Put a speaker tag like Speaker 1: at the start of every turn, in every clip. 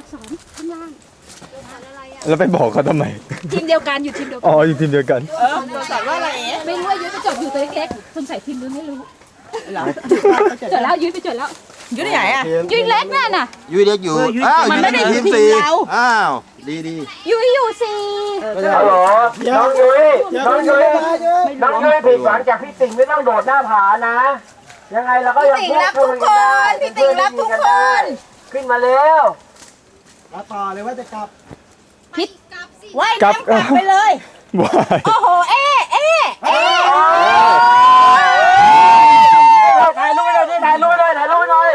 Speaker 1: 2ข้างล่าง
Speaker 2: แล้วไปบอกเขาทำไม
Speaker 1: ทีมเดียวกันอยู่ทีมเดียวกั
Speaker 2: อ๋ออยู่ทีมเดียวกัน
Speaker 3: ตัวสอนว่าอะไรเอ๊ะ
Speaker 1: ไม่รู้ว่ายุ้ยไปจดอยู่ตัวเล็กๆสงสัยทีมนู้นไม่รู้
Speaker 3: เหรอ
Speaker 1: จดแล้วยุ้ยไปจดแล้ว
Speaker 3: อยู่ที่ไหนอ่ะ
Speaker 1: ยุ้ยเล็กนั่นน่ะ
Speaker 4: ยุ้ยเล็กอยู่อ้าว
Speaker 3: มันไม่ได้อยู่ทีม
Speaker 4: สี่
Speaker 3: เรา
Speaker 4: อ้าวดีดี
Speaker 1: ยุ้ยอยู่สี่
Speaker 5: ฮัลโหลน้องยุ้ยน้องยุ้ยน้องยุ้ยผิดหวังจากพี่ติ่งไม่ต้องโดดหน้าผานะ ยังไงเราก็ยัง
Speaker 3: พี่ติ่งรักทุกคนพี่ติ่งรักทุกคน
Speaker 5: ขึ้นมาเร็ว
Speaker 6: มาต่อเลยว่าจะกลับ
Speaker 3: ว่ายน้ำกลับไปเลย
Speaker 2: ว้าย
Speaker 3: โอ้โห เอ๊ะ
Speaker 5: ถ่ายรูปไปหน่อยถ่ายรูปไปหน่อยถ่ายรูปไปหน่อย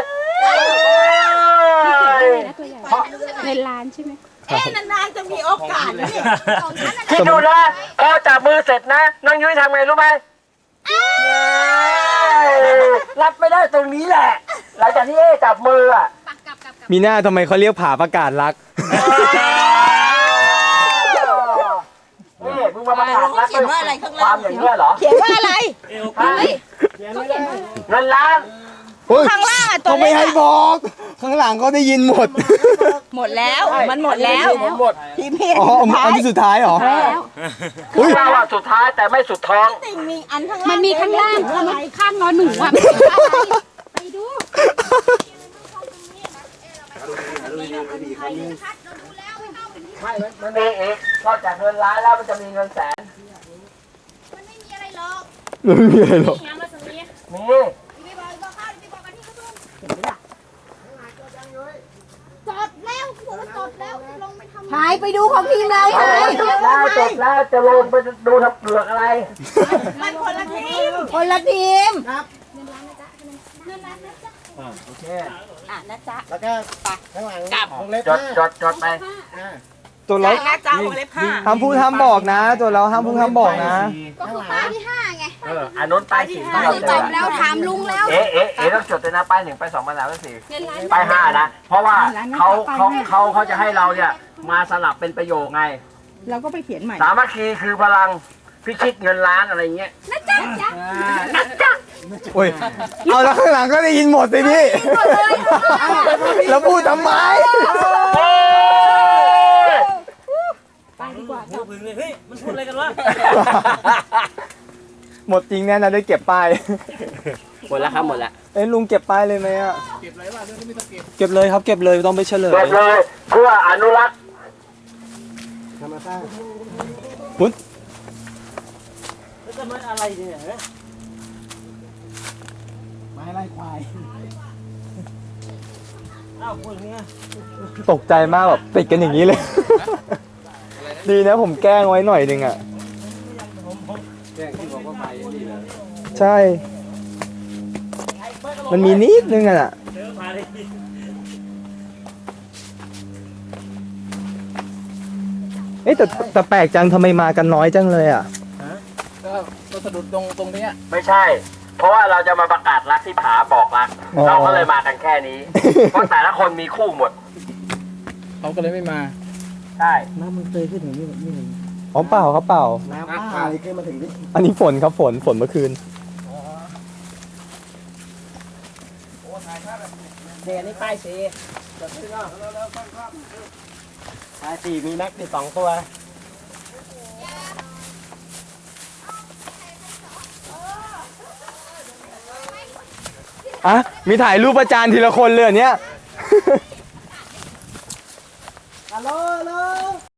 Speaker 1: ตัวใหญ่ในร้านใช่ไหม
Speaker 3: นานๆจะมีโอกาสนะเนี่ย
Speaker 5: คิดดูนะพอจับมือเสร็จนะน้องยุ้ยทำไงรู้ไหมรับไม่ได้ตรงนี้แหละ หลังจากที่จับมืออ่ะ
Speaker 2: มีหน้าทำไมเขาเรียกผาประกาศรัก
Speaker 5: นี่มึงมาประกาศรักด้วยความอย่างนี้เหรอ
Speaker 3: เขียนว่าอะไร
Speaker 5: เงินล้าน
Speaker 3: ข้างล่างอ่ะตัว
Speaker 2: เขาไม่
Speaker 3: เล็ก
Speaker 2: ให้บอก ข้างหลังเขาได้ยินหมด
Speaker 3: หมดแล้ว มันหมดแล้ว
Speaker 5: หมด
Speaker 3: ทีมพี่
Speaker 2: อ๋ออันที่สุดท้ายเหรอ
Speaker 1: แล้ว
Speaker 2: อุ้ย
Speaker 5: เราอะสุดท้ายแต่ไม่สุดท้อง
Speaker 3: ติ่งมีอันข้างล่าง
Speaker 1: มันมีข้างล่างแล้วมันข้างนอนหนูอ่ะไม่ใช่อะไรไปดู
Speaker 5: ไม่มันมีอีกนอกจากเงินล้านแล้วมันจะมีเงินแสน
Speaker 2: ไม่มีอะไรหรอก
Speaker 5: มี
Speaker 3: หายไปดูของทีมเราหาย
Speaker 5: จบแล้วจะลงไปดูทำเปลือกอะไร
Speaker 3: มันคนละทีม คนละทีม
Speaker 6: โอเค
Speaker 3: อ่ะนะจ๊ะ
Speaker 6: แล้วก็ข้างหลังวงเล็บ
Speaker 5: จดไป
Speaker 2: ตัวเรา
Speaker 3: นะจ๊ะวงเล็บห้า
Speaker 2: ห้ามพูดห้ามบอกนะ ตัวเราห้ามพูดห้ามบอกนะ
Speaker 6: ก็คือป้ายที่ห้า
Speaker 5: อันนู้นป้ายสี่ที่เราเจอ
Speaker 1: แล้วถามลุงแล้ว
Speaker 5: เอ๊ะต้องจดเลยนะป้าย1ป้าย2ป้าย3ป้าย4ป้าย5นะเพราะว่าเขาจะให้เราเนี่ยมาสลับเป็นประโยคไง
Speaker 3: เราก็ไปเขียนใหม่
Speaker 5: สามัคคีคือพลังพิชิตเงินล้านอะไรเงี้ย
Speaker 2: โอ้ย เอาแล้วข้างหลังก็ได้ยินหมดสิพี่ แล้วพูดทำไม หมดจริงแน่นะได้เก็บป้าย
Speaker 5: หมดแล้วครับหมดแล้ว
Speaker 2: เอ้ยลุงเก็บป้ายเลยไหมอ่ะ เก็บเลยว่าเรื่องไม่ต้องเก็บ เก็บเลยครับเก็บเลยต้องไปเฉลย
Speaker 5: เก็บเลยเพื่ออนุรักษ์
Speaker 6: ทำมาสร้าง
Speaker 2: พุทธ
Speaker 6: ไม้ไล่ควาย
Speaker 2: ตกใจมากแบบติดกันอย่างนี้เลย ดีนะผมแกล้งไว้หน่อยนึงอ่ะ
Speaker 6: แจ้งที่บอกว่าไปนี่เลย
Speaker 2: ใช่ มันมีนิดนึงอ่ะ เอ๊ะแต่แปลกจังทำไมมากันน้อยจังเลยอ่ะ
Speaker 6: ก็สะดุดตรงนี้
Speaker 5: ไม่ใช่ เพราะว่าเราจะมาประกาศรักที่ผาบอกรัก
Speaker 2: อ๋อ
Speaker 5: เราก็เลยมากันแค่นี้ เพราะแต่ละคนมีคู่หมด
Speaker 6: เขาก็เลยไม่มา
Speaker 5: ใช่
Speaker 6: น้ำมันเคยขึ้นอย่างนี้แบบนี้
Speaker 2: อ๋อเปล่าครับเปล่า
Speaker 6: น้ำป่าเลยขึ้นมาถึงนี่
Speaker 2: อันนี้ฝนครับฝนเมื่อคืน
Speaker 6: เดี๋ยวนี้ป้ายสีป้ายสีมีแม็กซ์12 ตัว
Speaker 2: อ่ะ มีถ่ายรูปประจานทีละคนเลยอันเนี้ย
Speaker 6: ฮัลโหล